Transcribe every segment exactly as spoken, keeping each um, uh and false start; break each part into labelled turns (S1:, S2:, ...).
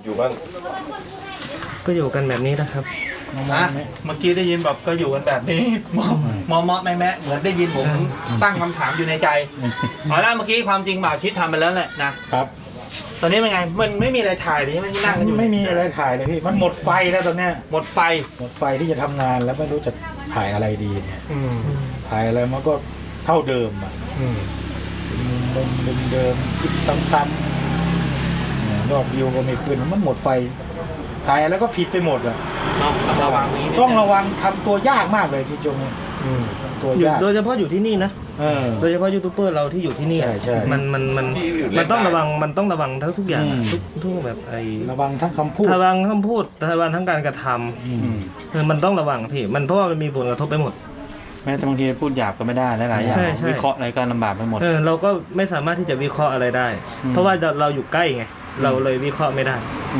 S1: อยู่บ้าง
S2: ก็อยู่กันแบบนี้นะครับ
S3: นะเมื่อกี้ได้ยินแบบก็อยู่กันแบบนี้มอมอมอแม่แม่เหมือนได้ยินผมตั้งคำถามอยู่ในใจเอาละเมื่อกี้ความจริงบ่าวชิดทำไปแล้วแหละนะครับตอนนี้เป็นไงมันไม่มีอะไรถ่ายเลยใช่ไหมที่นั่งกันอยู่
S4: ไม่มีอะไรถ่ายเลยพี่มันหมดไฟแล้วตอนเนี้ย
S3: หมดไฟ
S4: หมดไฟที่จะทำงานแล้วไม่รู้จะถ่ายอะไรดีเนี่ยถ่ายอะไรมันก็เท่าเดิมอ่ะมุมมุมเดิมคิดซ้ำๆยอดวิวก็ไม่ขึ้นมันหมดไฟถ่ายแล้วก็ผิดไปหมดอ่ะ
S3: ต้องระวังนี้
S4: ต้องระวังทำตัวยากมากเลยพี่จงตัวยาก
S2: โดยเฉพาะอยู่ที่นี่นะโดยเฉพาะยูทูบเบอร์เราที่อยู่ที่นี่มันมันมันมันต้องระวังมันต้องระวังทั้งทุกอย่างทุกทุกแบบไอ้
S4: ระวังทั้งคำพูด
S2: ระวังคำพูดระวังทั้งการกระทำมันต้องระวังพี่มันเพราะว่ามันมีผลกระทบไปหมด
S5: แม้แต่บางทีพูดหยาบก็ไม่ได้หลายๆอย่างวิเคราะห์อะไรก็ลำบากไปหมด
S2: เออเราก็ไม่สามารถที่จะวิเคราะห์อะไรได้เพราะว่าเราอยู่ใกล้ไงเราเลยวิเคราะห์ไม่ได้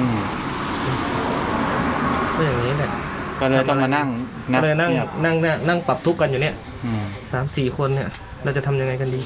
S2: ก็อย่างนี้แหละ
S5: ก็เลยต้องมานั่ง
S2: เลยนั่งนั่งนั่งนั่งปรับทุกข์กันอยู่เนี่ยสามสี่คนเนี่ยเราจะทำยังไงกันดี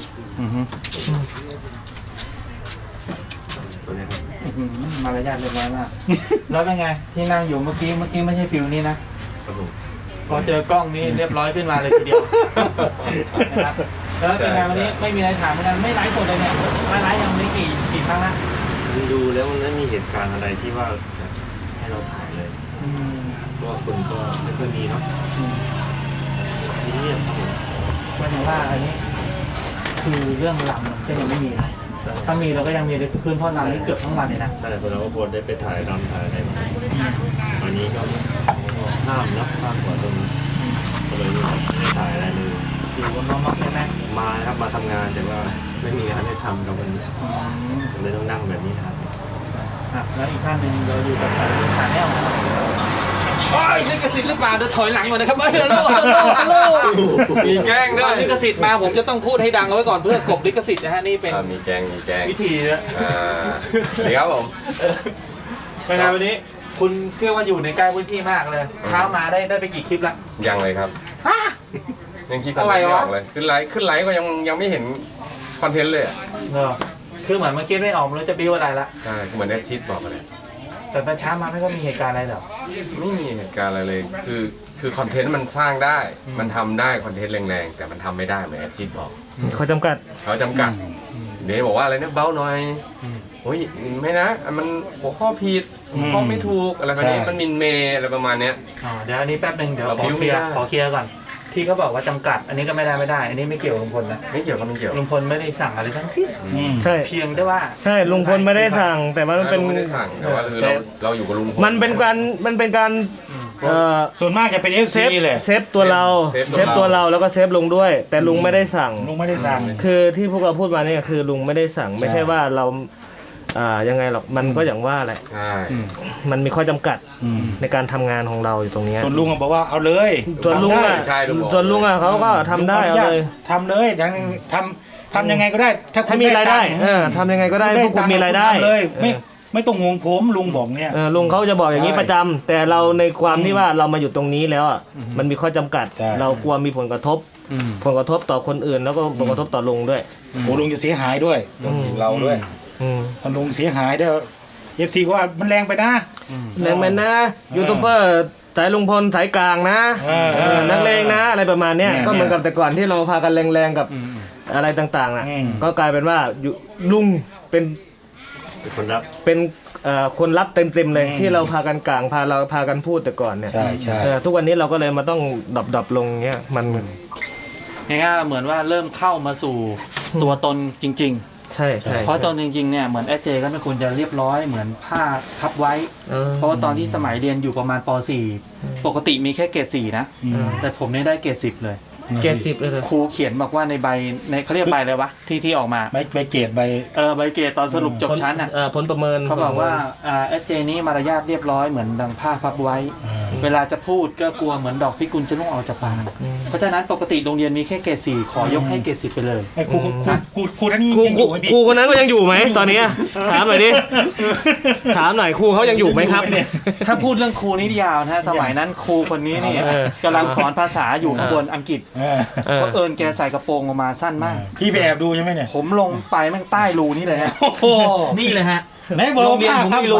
S5: มารยาทเรียบร้อยมากแล้วเป็นไงที่นั่งอยู่เมื่อกี้เมื่อกี้ไม่ใช่ฟิลนี้นะพอเจอกล้องนี้เรียบร้อยขึ้นมาเลยทีเดียวนะครับแล้วเป็นไงวันนี้ไม่มีอะไรถามเหมือนกันไม่ไลฟ์สดเลยเนี่ยไลฟ์ยังไม่กี่กี่ครั้งละ
S1: ดูแล้วมันไม่มีเหตุการณ์อะไรที่ว่าให้เราถ่ายเลยเพราะว่าคนก็ไม่ค่อยมีเนาะทีนี้ครับผม
S5: หมายถึงว่าอันนี้คือเรื่องลำก็ยังไม่มีนะถ้ามีเราก็ยังมีเลยคืนพ่อลำนี่เกือบทั้งวันเลยนะ
S1: ใช่คนเราก็ควรได้ไปถ่ายรำถ่ายอะไรวันนี้ก็ห้ามนะห้ามกว่าตรงนี้ก็เลยไม่ได้ถ่ายอะไรเลย
S5: อยู่บนน้องๆใช่ไหม
S1: มาครับมาทำงานแต่ว่าไม่มีงานให้ทำกับวันนี้เลยต้องนั่งแบบนี้ครับ
S5: แล้วอีกท่านหนึ่งเราอยู่กับสายขาแนว
S3: โอ้ยลิขสิทธิ์หรือเปล่าเดี๋ยวถอยหลังก่อนนะครับเฮ้ยฮัลโหลฮัลโหลฮัลโหล
S1: มีแกล้งด้วย
S3: ลิขสิทธิ์มาผมจะต้องพูดให้ดังเอาไว้ก่อนเพื่อกบลิขสิทธิ์นะฮะนี่เป็น
S1: มีแกล้งมีแกล้ง
S3: วิธีนะ
S1: สวัสดีครับผม
S3: เป็นไงวันนี้คุณเรียกว่าอยู่ในใกล้พื้นที่มากเลยเช้ามาได้ได้ไปกี่คลิปละ
S1: ยังเลยครับยังคิดอะไรไม่ออกเลยขึ้นไลฟ์ขึ้นไลฟ์ก็ยังยังไม่เห็นคอนเทนต์เลยอ่ะ
S3: คือเหมือนเมื่อกี้ไม่ออกแล้วจะบิ้วอะไรละ
S1: ใช่เหมือนแอดชิดบอกกันเลย
S3: แต่ตอนเช้ามาไม่ก็มีเหตุการณ์อะไรหรอ
S1: ไม่มีเหตุการณ์อะไรเลยคือคือคอนเทนต์มันสร้างได้มันทำได้คอนเทนต์แรงๆแต่มันทำไม่ได้เหมือนแอดชิดบอก
S2: เขาจำกัด
S1: เขาจำกัดเดี๋ยวบอกว่าอะไรเนี่ยเบาหน่อยโอ้ยไม่นะมันหัวข้อผิดหัวข้อไม่ถูกอะไรแบบนี้มันมินเมย์อะไรประมาณเนี้ย
S3: อ๋อเดี๋ยวอันนี้แป๊บนึงเดี๋ยวขอเคลียร์ขอเคลียร์ก่อนที่เขาบอกว่าจำกัดอันนี้ก็ไม่ได้ไม่ได้อันนี้ไม่เกี่ยวกับลุงพลนะ
S1: ไม่เกี่ยวกับไม่เกี่ยว
S3: ลุงพลไม่ได้สั่งอะไรทั้งสิ้น
S2: ใช่
S3: เพียงแต่ว่า
S2: ใช่ลุงพลไม่ได้สั่งแต่ว่ามันเป็น
S1: ไม่ได้สั่งแต่ว่าคือเราเราอยู่กับลุงพล
S2: มันเป็นการมันเป็นการ
S4: ส่วนมากจะเป็นเอฟซีเลย
S2: เซฟตัวเราเซฟตัวเราแล้วก็เซฟลุงด้วยแต่ลุงไม่ได้สั่ง
S4: ลุงไม่ได้สั่ง
S2: คือที่พวกเราพูดมาเนี่ยคือลุงไม่ได้สั่งไม่ใช่ว่าเราอ่ายังไงหรอกมันก็อย่างว่าแหละมันมีข้อจำกัดในการทำงานของเราอยู่ตรงนี้
S4: ส่วนลุงบอกว่าเอาเลย
S2: ส่วนลุงอ่ะส่วนลุงอ่ะเขาก็ทำได้เอาเลย
S4: ทำเลยทำทำทำยังไงก็ได้
S2: ถ้าถ้ามีรายได้เออทำยังไงก็ได้พวกคุณมีรายได้
S4: เลยไม่ไม่ต้องห่วงผมลุงบอกเนี่ย
S2: ลุงเขาจะบอกอย่างนี้ประจำแต่เราในความที่ว่าเรามาอยู่ตรงนี้แล้วอ่ะมันมีข้อจำกัดเรากลัวมีผลกระทบผลกระทบต่อคนอื่นแล้วก็ผลกระทบต่อลุงด้วย
S4: โอ้ลุงจะเสียหายด้วย
S1: เราด้วย
S4: ถ้าลุงเสียหายเด้อเอฟซีว่ามันแรงไปนะ
S2: แรงไปนะยูทูบเบอร์สายลุงพลสายกลางนะนักเลงนะอะไรประมาณเนี้ยก็เหมือนกับแต่ก่อนที่เราพากันแรงๆกับอะไรต่างๆอ่ะก็กลายเป็นว่าลุงเป็น
S1: คนรับ
S2: เป็นคนรับเต็มๆเลยที่เราพากันกลางพาเราพากันพูดแต่ก่อนเนี่ย
S4: ใช่ใช่
S2: ทุกวันนี้เราก็เลยมาต้องดับๆลงเงี้ยมัน
S5: ง่ายๆเหมือนว่าเริ่มเข้ามาสู่ตัวตนจริงๆ
S2: ใช่ใช่
S5: เพราะตอนจริงๆเนี่ยเหมือนแอดเจก็ไม่ควรจะเรียบร้อยเหมือนผ้าพับไว้เพราะว่าตอนที่สมัยเรียนอยู่ประมาณป .สี่ ปกติมีแค่เกรดสี่นะแต่ผมนี่ได้เกรดสิบเลย
S2: เกรดสิบเลย
S5: ครูเขียนบอกว่าในใบในเขาเรียกใบอะไรวะที่ที่ออกมา
S4: ใบใบเกรดใบ
S5: เออใบเกรดตอนสรุปจบชั้นอ่ะ
S2: ผลประเมิน
S5: เขาบอกว่าแอดเจนี้มารยาทเรียบร้อยเหมือนดังผ้าพับไว้เวลาจะพูดก็กลัวเหมือนดอกพิกุลจะล่วงออกจากปากเพราะฉะนั้นปกติโรงเรียนมีแค่เกรดสี่ขอยกให้เกรดสิบไปเลย
S4: ครูครูครูท่านนี้
S2: ยังอยู่ไหมครูคนนั้นก็ยังอยู่ไหมตอนนี้ถามหน่อยดิถามหน่อยครูเขายังอยู่ไหมครับ
S5: ถ้าพูดเรื่องครูนี่ยาวนะสมัยนั้นครูคนนี้นี่กำลังสอนภาษาอยู่ข้างบนอังกฤษเพราะเอิญแกใส่กระโปรงออกมาสั้นมาก
S4: พี่ไปแอบดูใช่ไหมเนี่ย
S5: ผมลงไปแม่งใต้รูนี่เลยฮะ
S3: นี่เลยฮะ
S4: ไหนบอก
S3: ว่าผมไม่รู้ฮะ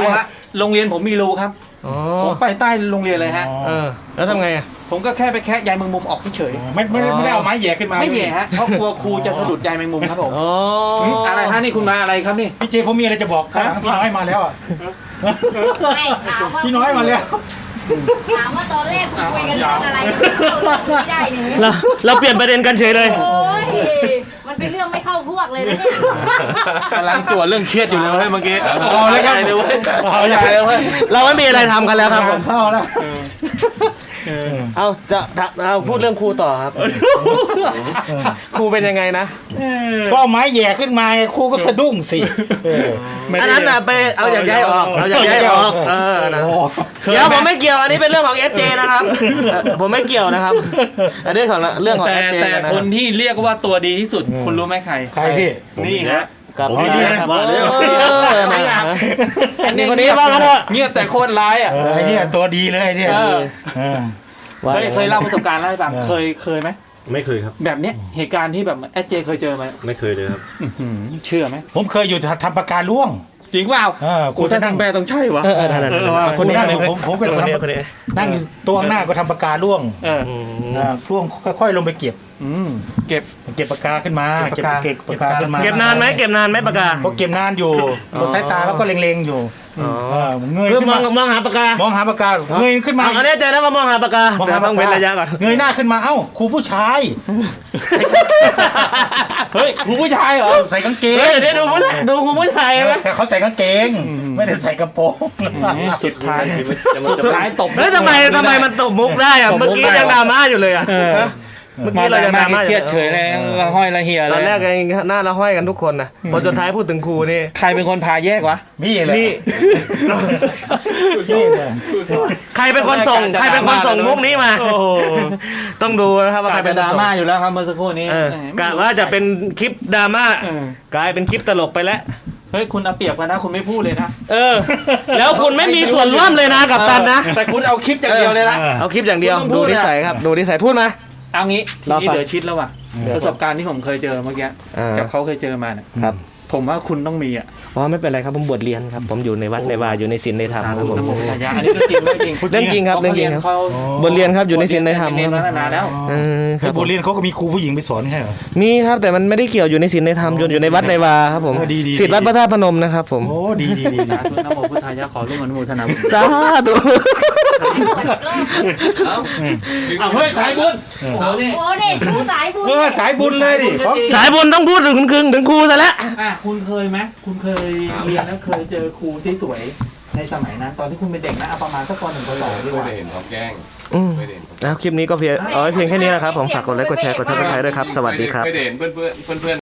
S3: โรงเรียนผมมีรูครับ
S2: อ๋อ
S3: ผมไปใต้โรงเรียนเลยฮะ
S2: เออแล้วทำไงอ่ะ
S3: ผมก็แค่ไปแคะใยแมงมุมออกเฉย
S4: ไม่ไม่ได้ไม่ได้เอาไม้แหย่ขึ้นมา
S3: ๆไม่แย่ฮะเพราะกลัวครูจะสะดุดใยแมงมุมครับผม
S2: อ๋อ
S3: มอะไรฮะนี่คุณมาอะไรครับนี่
S4: พี่เจผมมีอะไรจะบอกข้างหลังพี่น้อยมาแล้วอ่ะ
S6: ไม่ถามว่า
S4: พี่น้อยมาแล้ว
S6: ถามว่าตอนแรกคุยกันเรื่องอะไรไม่ได้เนี่ย
S2: เราเราเปลี่ยนประเด็นกันเฉยเลย
S6: โอ้ยมันเป็นเรื่องไม่เข้าพวกเลยนะเนี่ย
S3: กำลังจวดเรื่องเครียดอยู่เลยเว้ยเมื่อกี้
S4: เอาเลยครับ
S3: ใหญ่เลยเว้ย
S4: เอาใหญ่
S3: เลยเว้ย
S2: เราไม่มีอะไรทำกันแล้วครับผม
S4: เข้าแล้ว
S2: เอาจะจะเอาพูดเรื่องครูต่อครับ ครูเป็นยังไงนะ
S4: ก็เอาไม้แหย่ขึ้นมาไงครูก็สะดุ้งสิเออ
S2: อันนั้นน่ะไปเอาอย่างย้ายออกเอาอย่างย้ายออกเออนะเดี๋ยวผมไม่เกี่ยวอันนี้เป็นเรื่องของเอสเจนะครับเอ่อผมไม่เกี่ยวนะครับ อันนี้ของเรื่องของ
S3: แต่
S2: เอสเจ
S3: แต่
S2: นะ
S3: คนที่เรียกว่าตัวดีที่สุด คุณรู้ไหมใคร
S4: ใครพี่
S3: นี่ฮะ
S2: กับ
S4: ผมไม่ดีนะ
S2: เออนะ
S3: อัน
S2: นี่คนนี้ว่ากันเถอะ
S3: เงียบแต่โคตรร้ายอ่ะ
S4: เออไอเนี่ยตัวดีเลยไอเนี่ย
S3: เออ
S4: เออ
S3: เคยเคยเล่าประสบการณ์เล่าให้ฟัง
S4: เออ
S3: เคยเคยไหม
S1: ไม่เคยครับ
S3: แบบเนี้ยเหตุการณ์ที่แบบแอดเจเคยเจอไหม
S1: ไม่เคยเลยครับ
S3: อื้อหือเชื่อไหม
S4: ผมเคยอยู่ทำปากกาล่วง
S3: จริงเปล่า
S4: เออ
S3: กูถ้าทางแปลต้องใช่วะ
S2: เออเออนั่นๆ
S3: เออว่ะ
S2: คนนี้
S4: นั่ง
S2: คน
S4: อยู่
S2: นี้
S4: ผมผมก็
S2: คนนี้
S4: ทำ
S2: คนนี้
S4: นั่งอยู่ตัวข้างหน้าก็ทำปากกาล่วง
S3: เออ
S2: อืม
S4: อ่าล่วงค่อยๆลงไปเก็บ
S3: อืมเก็บ
S4: เก็บปากกาขึ้นมา
S3: เก็
S4: เก็บบ
S3: ปากกา
S4: เก็บปากกาขึ้นมา
S2: เก็บนานไหมเก็บนานไหมปากกา
S4: ก็เก็บนานอยู่
S2: อ๋อ
S4: ตัวสายตาแล้วก็เล็งๆอยู่
S2: อ๋อ
S4: เออเงย
S2: คือ
S4: ขึ้น
S2: ม
S4: มา
S2: องมองหาปากกาม
S4: องหาปากกาเงยขึ้นมา
S2: เอาอันนี้ใจนะว่ามองหาปากกาม
S4: อง
S2: เดี๋ย
S4: หาว ปาก
S2: ต้อง
S4: กา
S2: เว้นระยะก่อน
S4: เงยหน้าขึ้นมาเอ้าครูผู้ชาย
S3: เฮ้ยครูผู้ชายเหรอ
S4: ใส่กางเกง
S2: เฮ้ยเดี๋ยวดูผู้ชายดูครูผู้ชายไหม
S4: แต่เขาใส่กางเกง ไม่ได้ใส่กระโปรง
S3: สุดท้าย
S1: จะมา
S3: สุดท้ายตบ
S2: เฮ้ยทำไมทำไมมันตบมุกได้อะเมื่อกี้ยังดราม่าอยู่เลยอะ
S3: เออ
S2: ฮะเมื่อกี้เรายังดราม่าอ
S3: เครี
S2: ยู่
S3: ยดเฉยเลยละห้อยละเหีย
S2: ต
S3: เล
S2: อน
S3: ย
S2: แรกยังหน้าละห้อยกันทุกคนนะพอสุดท้ายพูดถึงครูนี่
S3: ใครเป็นคนพาแยกวะ
S4: นี่เลย
S2: นี่
S4: นี่เลย
S2: ใครเป็นคนส่งใครเป็นคนส่งมุกนี้มา
S3: โอ้โห
S2: ต้องดูนะครับว่าใคร
S3: ก
S2: เป็
S3: เป็น น
S2: ค
S3: ด
S2: น
S3: รา
S2: ส่ง
S3: ม่าอยู่แล้วครับเมื่อสักครู่นี้
S2: เออกะว่าจะเป็นคลิปดราม่า
S3: เออก
S2: ลายเป็นคลิปตลกไปแล้ว
S3: เฮ้ยคุณเอาเปรียบกันนะคุณไม่พูดเลยนะ
S2: เออ แล้วคุณไม่มีส่วนร่วมเลยนะกับตันนะ
S3: แต่คุณเอาคลิปอย่างเดียวเลยนะ
S2: เอาคลิปอย่างเดียว
S3: คุณต้องพู
S2: ดู
S3: ดอะ
S2: นิสัยครับดูนิสัยพูดมา
S3: เอางี้ที
S2: รอ
S3: นี้
S2: ฟัง
S3: เหลือชิดแล้วว่ะ
S2: เดี๋ยว
S3: ประสบการณ์ที่ผมเคยเจอเมื่อกี้
S2: อ่า
S3: กับเขาเคยเจอมาเนี่ย
S2: ครับ
S3: ผมว่าคุณต้องมีอ่ะ
S2: อ๋อไม่เป็นไรครับผมบวชเรียนครับผมอยู่ในวัดในวาอยู่ในศีลในธรรมครับผม
S3: น้ำโมทายาอันนี้เรื่องจริงเรื่องจริง
S2: เรื่องจริงครับเรื่องจริงครับ
S3: เขา
S2: บทเรียนครับอยู่ในศีลในธรรม
S3: เรียน
S2: ค
S3: มา
S2: รับ
S3: ตั้งนานแล้ว
S2: เออค
S4: ไอ้
S2: รับ
S4: โบเรียนเขาก็มีครูผู้หญิงไปสอนใช่เหรอ
S2: มีครับแต่มันไม่ได้เกี่ยวอยู่ในศีลในธรรมอยู่อยู่ในวัดในวาครับผม
S4: เออดีดี
S2: ศิษย์วัดพระธาตุพนมนะครับผม
S4: โอ้ดีดีดี
S3: สาธุนะโมพุทธายะขอร่วมอนุโมทนาบุญ
S2: สาธุ
S3: เอาเอาเฮ้ยสายบุญโอ้โหนี่
S6: โอ้เนี่ยชูสายบุญ
S4: เออสายบุญเลยดิของ
S2: สายบุญต้องพูดถึงคุณคึงถึงครูซะแล้ว
S3: อ่ะคุณเคยไหมคุณเคยเรียนแล้วเคยเจอครูที่สวยในสมัยนั้นตอนที่คุณเป็นเด็กนะเอาประมาณสักปหนึ่งปสองดีกว่า
S1: ไม่ได้เห็นเขาแกล้ง
S2: อืม
S1: ไม่ได้เห็นเขา
S2: แล้วคลิปนี้ก็เพียงเอาไว้เพียงแค่นี้นะครับผมฝากกดไลค์กดแชร์กดซับสไครต์ด้วยครับสวัสดีครับ
S1: ไม่ได้เห็นเพื่อนเพื่อนเพื่อน